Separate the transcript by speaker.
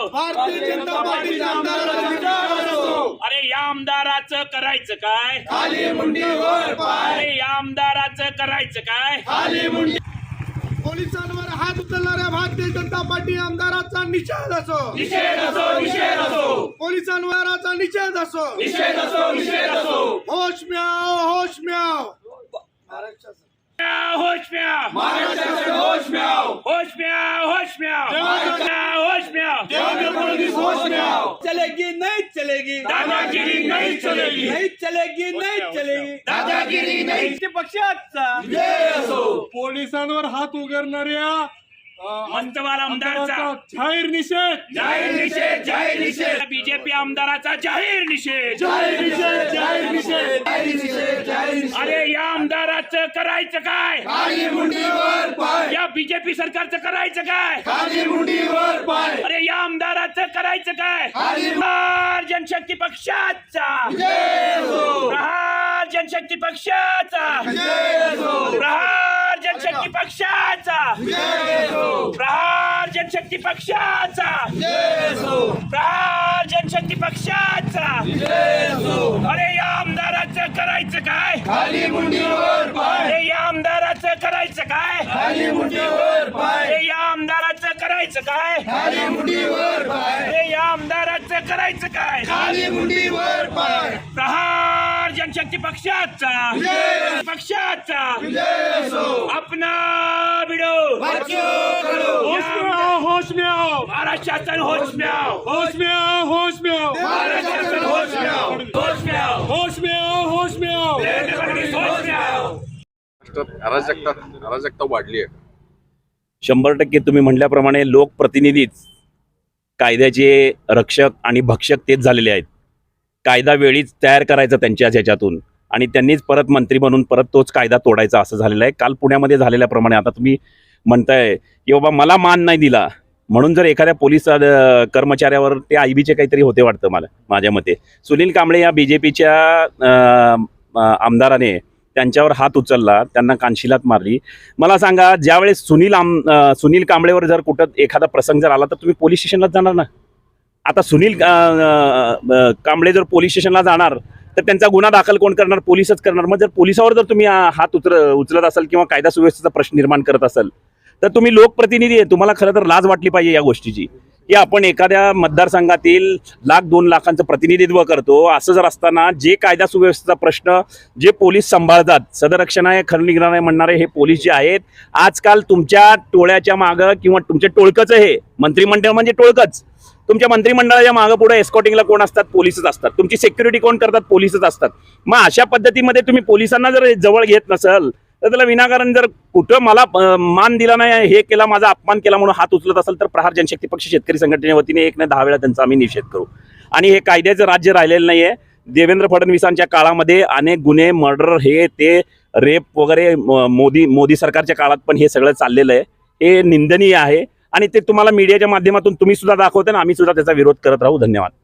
Speaker 1: भारतीय जनता पार्टीच्या आमदाराचा निषेध असो।
Speaker 2: अरे या आमदाराचं करायचं काय?
Speaker 1: खाली मुंडी वर पाय।
Speaker 2: अरे या आमदाराचं करायचं काय?
Speaker 1: खाली मुंडी। पोलिसांवर हात उचलणाऱ्या भारतीय जनता पार्टी आमदाराचा निषेध असो।
Speaker 2: निषेध असो, निषेध असो,
Speaker 1: पोलिसांवरचा निषेध असो।
Speaker 2: निषेध असो, निषेध असो।
Speaker 1: होश में आओ, होश में आओ।
Speaker 2: होश में आओ,
Speaker 1: महाराष्ट्र से होश में आओ।
Speaker 2: होश में आओ, होश में आओ, होश में आओ।
Speaker 1: देवेंद्र फडणवीस होश में आओ।
Speaker 3: चलेगी नहीं चलेगी,
Speaker 2: दादागिरी नहीं चलेगी,
Speaker 3: नहीं चलेगी, नहीं चलेगी,
Speaker 2: दादागिरी नहीं।
Speaker 3: पक्षाचा
Speaker 1: जय असो।
Speaker 4: पोलिसांवर हात उगारणाऱ्या
Speaker 2: मंतवाल आमदाराचा
Speaker 4: जाहीर निषेध,
Speaker 2: जाहीर निषेध, जाहीर निषेध। बीजेपी आमदाराचा जाहीर निषेध,
Speaker 1: जाहीर निषेध, जाहीर निषेध, जाहीर निषेध, जाहीर निषेध।
Speaker 2: अरे या आमदाराचं करायचं काय?
Speaker 1: खाली मुंडी वर पाय।
Speaker 2: या बीजेपी सरकारचं करायचं काय?
Speaker 1: खाली मुंडी वर पाय।
Speaker 2: अरे या आमदाराचं करायचं काय?
Speaker 1: खाली
Speaker 2: प्रहार जनशक्ती पक्षाचा,
Speaker 1: जय असो।
Speaker 2: प्रहार जनशक्ती पक्षाचा,
Speaker 1: जय असो।
Speaker 2: प्रहार जनशक्ती पक्षाचा,
Speaker 1: जय असो।
Speaker 2: प्रहार जनशक्ती पक्षाचा,
Speaker 1: जय असो।
Speaker 2: प्रहार जनशक्ती पक्षाचा।
Speaker 1: जय असो।
Speaker 2: अरे या आमदाराचं करायचं काय?
Speaker 1: खाली मुंडी वर पाय।
Speaker 2: अरे या आमदाराचं करायचं काय?
Speaker 1: खाली मुंडी वर पाय।
Speaker 2: अरे या आमदाराचं करायचं काय?
Speaker 1: खाली मुंडी वर पाय।
Speaker 2: अरे या आमदाराचं करायचं काय?
Speaker 1: खाली मुंडी वर पाय।
Speaker 2: प्रहार जनशक्ती पक्षाचा,
Speaker 1: जय
Speaker 2: पक्षाचा
Speaker 1: जय असो।
Speaker 2: अपना भिडो,
Speaker 1: बच्चों करो।
Speaker 4: होश में आओ, होश में आओ,
Speaker 2: महाराष्ट्र शासन होश में आओ,
Speaker 4: होश में आओ, होश में आओ,
Speaker 2: महाराष्ट्र शासन होश में आओ, होश में आओ,
Speaker 4: होश में आओ, होश में आओ।
Speaker 2: देवेंद्र फडणवीस होश में आओ।
Speaker 5: महाराष्ट्रात अराजकता वाढली आहे।
Speaker 6: 100% तुम्ही म्हटल्याप्रमाणे लोकप्रतिनिधीच कायद्याचे रक्षक आणि भक्षक तेच झालेले आहेत। कायदा वेळीच तयार करायचा त्यांच्याच ह्याच्यातून आणि त्यांनीच परत मंत्री बनून परत तोच कायदा तोडायचा असं झालेलं आहे। काल पुण्यामध्ये झालेल्याप्रमाणे आता तुम्ही म्हणताय की बाबा मला मान नाही दिला म्हणून जर एखाद्या पोलीस कर्मचाऱ्यावर ते आयबीचे काहीतरी होते वाटतं मला माझ्या मते। सुनील कांबळे या बीजेपीच्या आमदाराने त्यांच्यावर हात उचलला, त्यांना कानशिलात मारली। मला सांगा ज्यावेळेस सुनील कांबळेवर जर कुठं एखादा प्रसंग जर आला तर तुम्ही पोलीस स्टेशनलाच जाणार ना। आता सुनील कांबळे जर पोलीस स्टेशनला जाणार तर त्यांचा गुन्हा दाखल कोण करणार? पोलीसच करणार। मग जर पोलिसावर जर तुम्ही हात उचलत असाल किंवा कायदा सुव्यवस्थेचा प्रश्न निर्माण करत असाल तर तुम्ही लोकप्रतिनिधी आहे, तुम्हाला खरं तर लाज वाटली पाहिजे या गोष्टीची की आपण एखाद्या मतदारसंघातील 1,00,000-2 लाखांचं प्रतिनिधित्व करतो। असं जर असताना जे कायदा सुव्यवस्थेचा प्रश्न जे पोलीस सांभाळतात, सदरक्षण आहे, खरनिग्रह म्हणणारे हे पोलीस जे आहेत, आजकाल तुमच्या टोळ्याच्या मागं किंवा तुमच्या टोळकंच हे मंत्रिमंडळ म्हणजे टोळकंच, तुमच्या मंत्रिमंडळाच्या मागं पुढे एस्कॉर्टिंगला कोण असतात? पोलीसच असतात। तुमची सिक्युरिटी कोण करतात? पोलीसच असतात। मग अशा पद्धतीमध्ये तुम्ही पोलिसांना जर जवळ घेत नसाल तर त्याला विनाकारण जर कुठं मला मान दिला नाही, हे केला, माझा अपमान केला म्हणून हात उचलत असेल तर प्रहार जनशक्ती पक्ष शेतकरी संघटनेच्या वतीने 1 नाही 10 वेळा त्यांचा आम्ही निषेध करू। आणि हे कायद्याचं राज्य राहिलेलं नाही आहे। देवेंद्र फडणवीसांच्या काळामध्ये अनेक गुन्हे, मर्डर, हे ते रेप वगैरे मोदी सरकारच्या काळात पण हे सगळं चाललेलं आहे। हे निंदनीय आहे आणि ते तुम्हाला मीडियाच्या माध्यमातून तुम्ही सुद्धा दाखवता ना, आम्ही सुद्धा त्याचा विरोध करत राहू। धन्यवाद।